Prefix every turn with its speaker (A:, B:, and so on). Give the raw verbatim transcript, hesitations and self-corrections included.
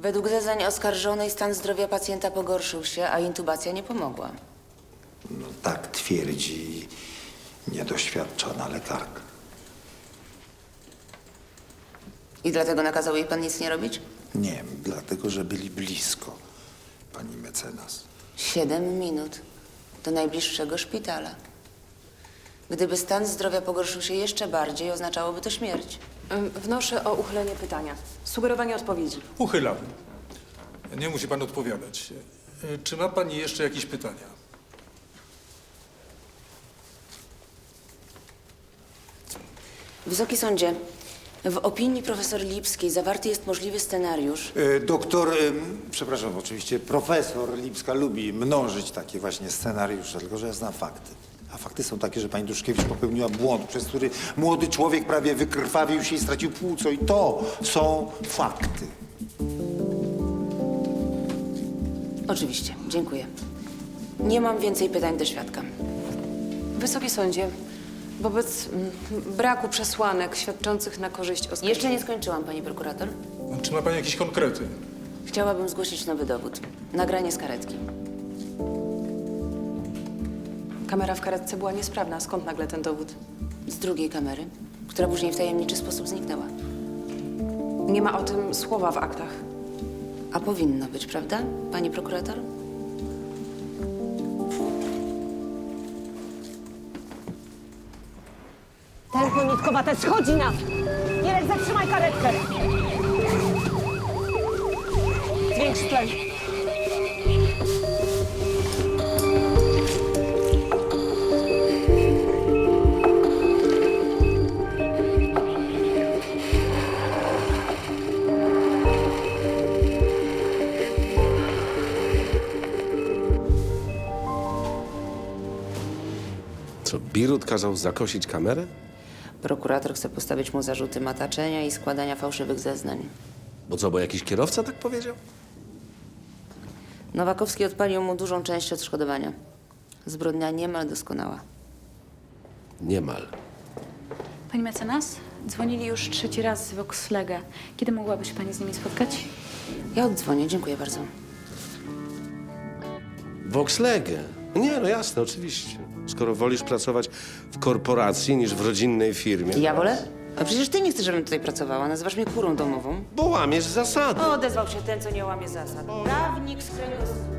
A: Według zeznań oskarżonej stan zdrowia pacjenta pogorszył się, a intubacja nie pomogła.
B: No tak twierdzi niedoświadczona lekarka.
A: I dlatego nakazał jej pan nic nie robić?
B: Nie, dlatego że byli blisko, pani mecenas.
A: Siedem minut do najbliższego szpitala. Gdyby stan zdrowia pogorszył się jeszcze bardziej, oznaczałoby to śmierć.
C: Ym, Wnoszę o uchylenie pytania. Sugerowanie odpowiedzi.
D: Uchylam. Nie musi pan odpowiadać. E, Czy ma pani jeszcze jakieś pytania?
A: Wysoki sądzie, w opinii profesor Lipskiej zawarty jest możliwy scenariusz.
B: E, doktor, e, przepraszam, oczywiście profesor Lipska lubi mnożyć takie właśnie scenariusze, tylko że ja znam fakty. A fakty są takie, że pani Duszkiewicz popełniła błąd, przez który młody człowiek prawie wykrwawił się i stracił płuco. I to są fakty.
A: Oczywiście, dziękuję. Nie mam więcej pytań do świadka.
C: Wysoki sądzie, wobec mm, braku przesłanek świadczących na korzyść oskarżonej...
A: Jeszcze nie skończyłam, pani prokurator.
D: Czy ma pani jakieś konkrety?
A: Chciałabym zgłosić nowy dowód. Nagranie z karetki.
C: Kamera w karetce była niesprawna. Skąd nagle ten dowód?
A: Z drugiej kamery, która później w tajemniczy sposób zniknęła.
C: Nie ma o tym słowa w aktach.
A: A powinno być, prawda, pani prokurator?
E: Tempo nitkowate, schodzi nam! Mirek, zatrzymaj karetkę! Zwiększ tlen.
F: Co, Birut kazał zakosić kamerę?
A: Prokurator chce postawić mu zarzuty mataczenia i składania fałszywych zeznań.
F: Bo co, bo jakiś kierowca tak powiedział?
A: Nowakowski odpalił mu dużą część odszkodowania. Zbrodnia niemal doskonała.
F: Niemal.
G: Pani mecenas, dzwonili już trzeci raz z Voxlega. Kiedy mogłaby się pani z nimi spotkać?
A: Ja oddzwonię, dziękuję bardzo.
F: Voxlegę. Nie, no jasne, oczywiście. Skoro wolisz pracować w korporacji niż w rodzinnej firmie.
A: Ja wolę? A przecież ty nie chcesz, żebym tutaj pracowała. Nazywasz mnie kurą domową.
F: Bo łamiesz zasady.
A: O, odezwał się ten, co nie łamie zasad. Prawnik z kręgosłupa.